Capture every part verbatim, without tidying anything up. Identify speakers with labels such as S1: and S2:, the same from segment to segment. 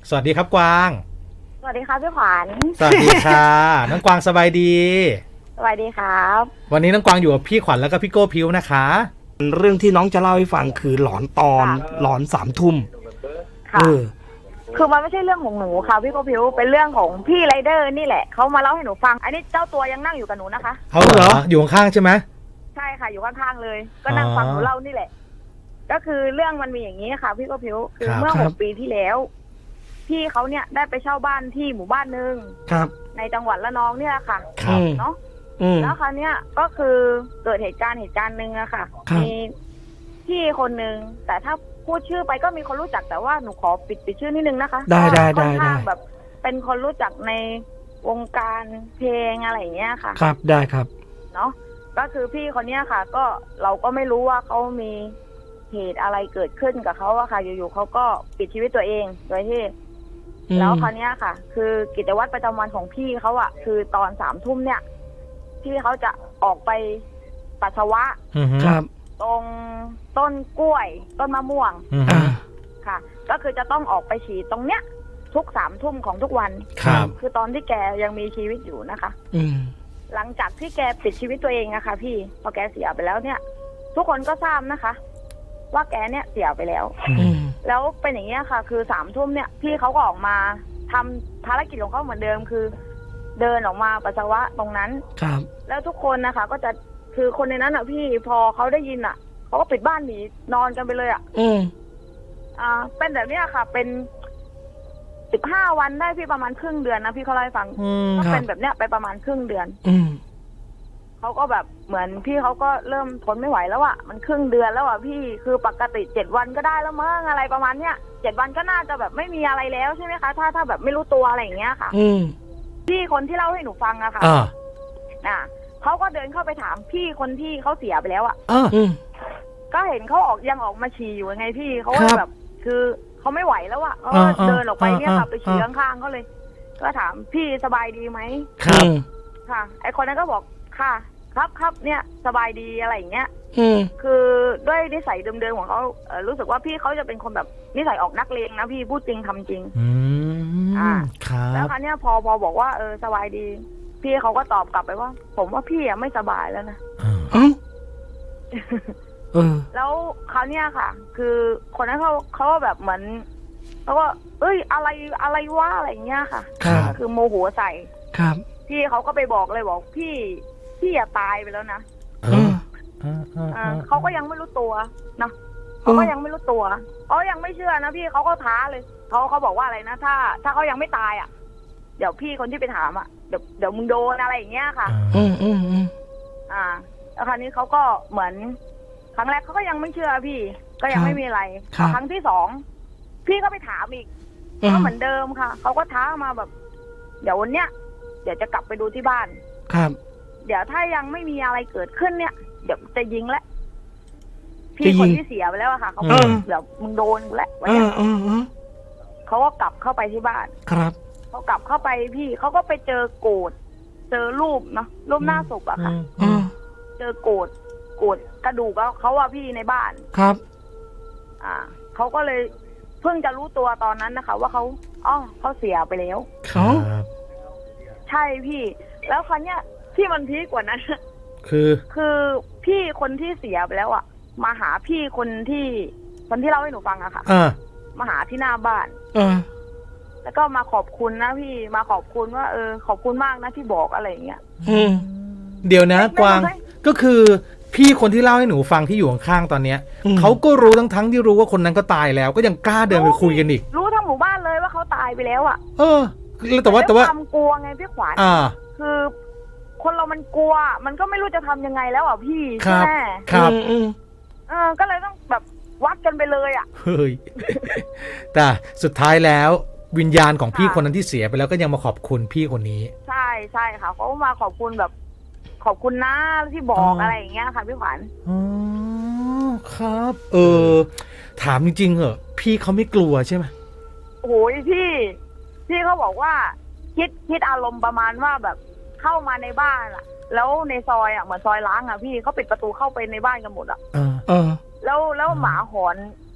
S1: สวัสดีครับกวาง
S2: สวัสดีครับพี่ขวัญ
S1: สวัสดีค่ะน้องกวางสบายดี
S2: สวัสดีครับ
S1: วันนี้น้องกวางอยู่กับพี่ขวัญแล้วก็พี่โก้พิวนะคะ
S3: เรื่องที่น้องจะเล่าให้ฟังคือหลอนตอนหลอนสามทุ่ม
S2: ค่ะคือมันไม่ใช่เรื่องของหนูค่ะพี่โกพิวเป็นเรื่องของพี่ไรเดอร์นี่แหละเขามาเล่าให้หนูฟังอันนี้เจ้าตัวยังนั่งอยู่กับหนูนะคะ
S1: เขาเหรออยู่ข้างๆใช่ไหม
S2: ใช่ค่ะอยู่ข้างๆเลยก็นั่งฟังหนูเล่านี่แหละก็คือเรื่องมันมีอย่างนี้ค่ะพี่โกพิวคือเมื่อหกปีที่แล้วพี่เขาเนี่ยได้ไปเช่าบ้านที่หมู่บ้านนึงในจังหวัดละนองเนี่ยค่ะเนาะแล้วคราวเนี้ยก็คือเกิดเหตุการณ์เหตุการณ์หนึ่งอะค่ะมีพี่คนนึงแต่ถ้าพูดชื่อไปก็มีคนรู้จักแต่ว่าหนูขอปิดปิดชื่อนิดนึงนะคะ
S3: ได้ได้ได้ได้
S2: แบบเป็นคนรู้จักในวงการเพลงอะไรอย่างเงี้ยค่ะ
S3: ครับได้ครับ
S2: เนาะก็คือพี่คนเนี้ยค่ะก็เราก็ไม่รู้ว่าเขามีเหตุอะไรเกิดขึ้นกับเขาอะค่ะอยู่ๆเขาก็ปิดชีวิตตัวเองโดยที่แล้วคราวเนี้ยค่ะคือกิจวัตรประจำวันของพี่เขาอะคือตอนสามทุ่มเนี่ยพี่เขาจะออกไปปัสสาวะ
S3: ครับ
S2: ตรงต้นกล้วยต้นมะม่วงค่ะก็คือจะต้องออกไปฉี่ตรงเนี้ยทุกสามทุ่มของทุกวัน
S1: ครับ
S2: คือตอนที่แกยังมีชีวิตอยู่นะคะ
S3: อืม
S2: หลังจากที่แกปิดชีวิตตัวเองอะค่ะพี่พอแกเสียไปแล้วเนี่ยทุกคนก็ทราบนะคะว่าแกเนี่ยเสียไปแล้วแล้วเป็นอย่างเงี้ยค่ะคือสามทุ่มเนี่ยพี่เขาก็ออกมาทำภารกิจของเขาเหมือนเดิมคือเดินออกมาปัสสาวะตรงนั้น
S3: ครับ
S2: แล้วทุกคนนะคะก็จะคือคนในนั้นอ่ะพี่พอเขาได้ยินอ่ะเขาก็ปิดบ้านหนีนอนกันไปเลยอ่ะ
S3: อืม
S2: อ่าเป็นแบบเนี้ยค่ะเป็นสิบห้าวันได้พี่ประมาณครึ่งเดือนนะพี่เขาเล่าให้ฟังก็เป็นแบบเนี้ยไปประมาณครึ่งเดือน
S3: อืม
S2: เขาก็แบบเหมือนพี่เขาก็เริ่มทนไม่ไหวแล้วอ่ะมันครึ่งเดือนแล้วอ่ะพี่คือปกติเจ็ดวันก็ได้แล้วมั้งอะไรประมาณเนี้ยเจ็ดวันก็น่าจะแบบไม่มีอะไรแล้วใช่ไหมคะถ้าถ้าแบบไม่รู้ตัวอะไรอย่างเงี้ยค่ะ
S3: อืม
S2: พี่คนที่เล่าให้หนูฟังอะค่ะอ่าเขาก็เดินเข้าไปถามพี่คนที่เขาเสียไปแล้วอ่ะก็เห็นเขาออกยังออกมาฉี่อยู่ไงพี่เขาแบบ คือเขาไม่ไหวแล้วอ่ะเขาเดินออกไปเนี่ยค่ะไปฉี่ข้างๆเขาเลยก็ถามพี่สบายดีไหม
S3: ครับ
S2: ค่ะไอคนนั้นก็บอกค่ะครับครับเนี่ยสบายดีอะไรอย่างเงี้ย
S3: อืม
S2: คือด้วยนิสัยเดิมๆของเขาเออรู้สึกว่าพี่เขาจะเป็นคนแบบนิสัยออกนักเลงนะพี่พูดจริงทำจริง
S1: อืม
S2: อ่า
S1: ครับ
S2: แล้วคราวเนี้ยพอพอบอกว่าเออสบายดีพี่เขาก็ตอบกลับไปว่าผมว่าพี่อะไม่สบายแล้วนะ
S3: เอ้าเออ
S2: แล้วคราวเนี้ยค่ะคือคนนั้นเขาเขาแบบเหมือนเขาก็เอ้ยอะไรอะไรวะอะไรเงี้ยค่ะคือโมโหใส่
S3: ครับ
S2: พี่เขาก็ไปบอกเลยบอกพี่พี่อย่าตายไปแล้วนะเขาก็ยังไม่รู้ตัวนะเขาก็ยังไม่รู้ตัวเขายังไม่เชื่อนะพี่เขาก็ท้าเลยเขาเขาบอกว่าอะไรนะถ้าถ้าเขายังไม่ตายอ่ะเดี๋ยวพี่คนที่ไปถามอ่ะเดี๋ยวเดี๋ยวมึงโดนอะไรอย่างเงี้ยค่ะ
S3: อืมอืมอืม
S2: อ่าแล้วคราวนี้เขาก็เหมือนครั้งแรกเขาก็ยังไม่เชื่อพี่ก็ยังไม่มีอะไรครั้งที่สองพี่ก็ไปถามอีกก็เหมือนเดิมค่ะเขาก็ท้ามาแบบเดี๋ยววันเนี้ยเดี๋ยวจะกลับไปดูที่บ้าน
S3: ครับ
S2: เดี๋ยวถ้ายังไม่มีอะไรเกิดขึ้นเนี่ยเดี๋ยวจะยิงแล้วพี่คนที่เสียไปแล้วอะค่ะเขาบอกเดี๋ยวมึงโดนกูแล้ววันนี้เขาก็กลับเข้าไปที่บ้าน
S3: ครับ
S2: เขากลับเข้าไปพี่เขาก็ไปเจอโกดเจอรูปเนาะรูปหน้าศพอะค่ะเจอโกดโกดกระดูกเขาว่าพี่ในบ้าน
S3: ครับ
S2: อ่าเขาก็เลยเพิ่งจะรู้ตัวตอนนั้นนะคะว่าเขาอ๋อเขาเสียไปแล้ว
S3: ครับ
S2: ใช่พี่แล้วคราวเนี้ยที่มันพีคกว่านั้น
S1: คือ
S2: คือพี่คนที่เสียไปแล้วอ่ะมาหาพี่คนที่คนที่เล่าให้หนูฟังอะค่ะมาหาที่หน้าบ้านแล้วก็มาขอบคุณนะพี่มาขอบคุณว่าเออขอบคุณมากนะที่บอกอะไรอย่างเงี้ย
S1: เดี๋ยวนะกวางก็คือพี่คนที่เล่าให้หนูฟังที่อยู่ข้างๆตอนเนี้ยเขาก็รู้ทั้งทั้งที่รู้ว่าคนนั้นก็ตายแล้วก็ยังกล้าเดินไปคุยกันอีก
S2: รู้ทั้งหมู่บ้านเลยว่าเขาตายไปแล้วอ่ะ
S1: เออแต่ว่าแต่ว่า
S2: ความกลัวไงพี่ขวัญคือคนเรามันกลัวมันก็ไม่รู้จะทำยังไงแล้วอ่ะพี่ใช่ไหม
S1: ครับ
S2: เออก็เลยต้องแบบวัดกันไปเลยอ่ะ
S1: เฮ้ยแต่สุดท้ายแล้ววิญญาณของพี่คนนั้นที่เสียไปแล้วก็ยังมาขอบคุณพี่คนนี้
S2: ใช่ใช่ค่ะเขามาขอบคุณแบบขอบคุณนะที่บอกอะไรอย่างเงี้ยค่ะพี่ขวัญ
S1: อ๋อครับเออถามจริงๆเหรอพี่เขาไม่กลัวใช่ไหม
S2: โอ้ยพี่พี่เขาบอกว่าคิดคิดอารมณ์ประมาณว่าแบบเข้ามาในบ้านอ่ะแล้วในซอยอ่ะเหมือนซอยล้างอ่ะพี่เขาปิดประตูเข้าไปในบ้านกันหมดอ่ะ
S3: เออ
S2: แล้วแล้วหมาหอน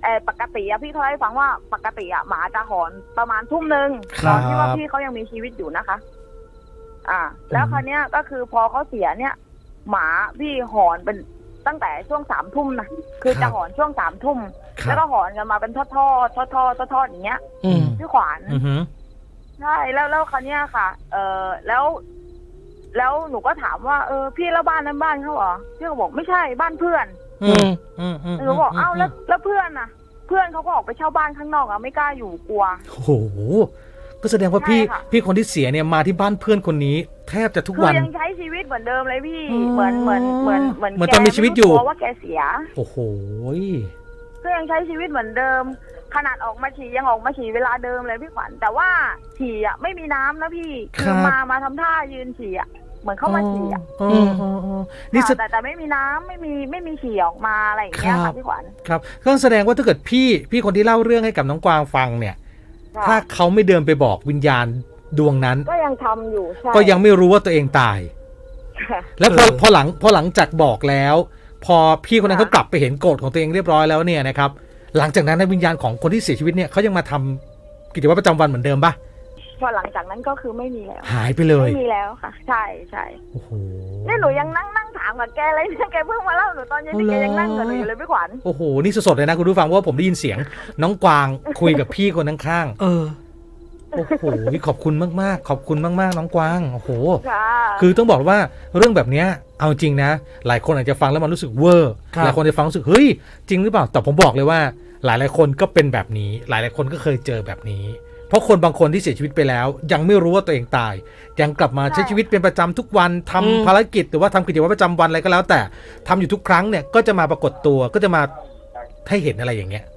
S2: เออปกติอะพี่เขาให้ฟังว่าปกติอะหมาจะหอนประมาณทุ่มหนึ่ง
S1: ครั
S2: ต
S1: บ
S2: อนที่ว่าพี่เขายังมีชีวิตอยู่นะคะ อ่า แล้วคราวเนี้ยก็คือพอเขาเสียเนี่ย หมาพี่หอนเป็นตั้งแต่ช่วงสามทุ่มนะคือจะหอนช่วงสามทุ่ม
S1: ครับ
S2: แล้วก็หอนกันมาเป็นทอดทอดทอดทอดทอดทอดอย่างเงี้ย
S3: อืม
S2: พี่ขวาน
S1: อือหือ
S2: ใช่แล้วแล้วคราวเนี้ยค่ะ เออแล้ว แล้วหนูก็ถามว่าเออพี่แล้วบ้านนั้นบ้านเขาเหรอพี่ก็บอกไม่ใช่บ้านเพื่อน
S1: อืมอืมอืม
S2: หนูบอกเอ้าแล้วแล้วเพื่อนน่ะ เพื่อนเขาก็ออกไปเช่าบ้านข้างนอกอะไม่กล้าอยู่กลัว
S1: โอ้โหก็แสดงว่าพี่
S2: ใช่ค่ะ
S1: พี่คนที่เสียเนี่ยมาที่บ้านเพื่อนคนนี้ แทบจะทุก
S2: คือ
S1: วัน
S2: ยังใช้ชีวิตเหมือนเดิมเลยพี่
S1: อ๋อ
S2: เหมือนเหมือนเหมือนเหมือน
S1: เหมือนตอนมีชีวิตอยู่
S2: แกไม่รู้ตัวว่าแกเสีย
S1: โอ้โห
S2: ก็ยังใช้ชีวิตเหมือนเดิม ขนาดออกมาฉี่ยังออกมาฉี่เวลาเดิมเลยพี่ขวัญแต่ว่าฉี่อะไม่มีน้ำนะพี่คือมามาทำท่ายืนฉี่อะเหมือนเข้ามาฉี่อะ
S1: อ๋ออ๋ออ๋อนี่
S2: ค่ะ
S1: แส
S2: แต่แต่ไม่มีน้ำไม่มีไม่มีฉี่ออกมาอะไรอย่างเงี้ย
S1: ครั
S2: ค่ะ
S1: บ
S2: พี่ขวัญ
S1: ครับก็แสดงว่าถ้าเกิดพี่พี่คนที่เล่าเรื่องให้กับน้องกวางฟังเนี่ย
S2: ค่ะ
S1: ถ้าเขาไม่เดินไปบอกวิญญาณดวงนั้น
S2: ก็ยังทำอยู่ใช่
S1: ก็ยังไม่รู้ว่าตัวเองตาย
S2: ค่ะ
S1: แล้วพอ
S3: เออ
S1: พอหลังพอหลังจากบอกแล้ว พอพี่คนนั้น
S2: ค่ะ
S1: เขากลับไปเห็นโกรธของตัวเองเรียบร้อยแล้วเนี่ยนะครับหลังจากนั้นในวิญญาณของคนที่เสียชีวิตเนี่ยเขายังมาทำกิจวัตรประจำวันเหมือนเดิมปะ
S2: พอหลังจากนั้นก็คือไม่มีแล้ว
S1: หายไปเลย
S2: ไม่มีแล้วค่ะ ใช่ใช่
S1: โอ้โห
S2: นี่หนูยังนั่งนั่งถามกับแกเลยเนี่ยแกเพิ่งมาเล่าหนูตอนเย็น
S1: เอา
S2: นี่
S1: เหรอ
S2: แกยังนั่งกับหนูอยู่เลยพี่ขวัญ
S1: โอ้โหนี่สดๆเลยนะคุณผู้ฟังเพราะว่าผมได้ยินเสียงน้องกวางคุยกับพี่คนข้าง
S3: เออ
S1: ๆโอ้โหขอบคุณมากๆ ขอบคุณมากๆน้องกวางโอ้โห
S2: ค่ะ
S1: คือต้องบอกว่าเรื่องแบบเนี้ยเอาจริงนะ หลายคนอาจจะฟังแล้วมันรู้สึกเวอร์
S3: ครับ
S1: หลายคนจะฟังรู้สึกเฮ้ยจริงหรือเปล่าแต่ผมบอกเลยว่า หลายหลายๆคนก็เป็นแบบนี้ หลายหลายๆคนก็เคยเจอแบบนี้ เพราะคนบางคนที่เสียชีวิตไปแล้ว ยังไม่รู้ว่าตัวเองตาย ยังกลับมาใช้ชีวิตเป็นประจำทุกวันทำ
S3: อืม
S1: ภารกิจหรือว่าทำกิจวัตรประจำวันอะไรก็แล้ว แต่ทำอยู่ทุกครั้งเนี่ยก็จะมาปรากฏตัวก็จะมาให้เห็นอะไรอย่างเงี้ย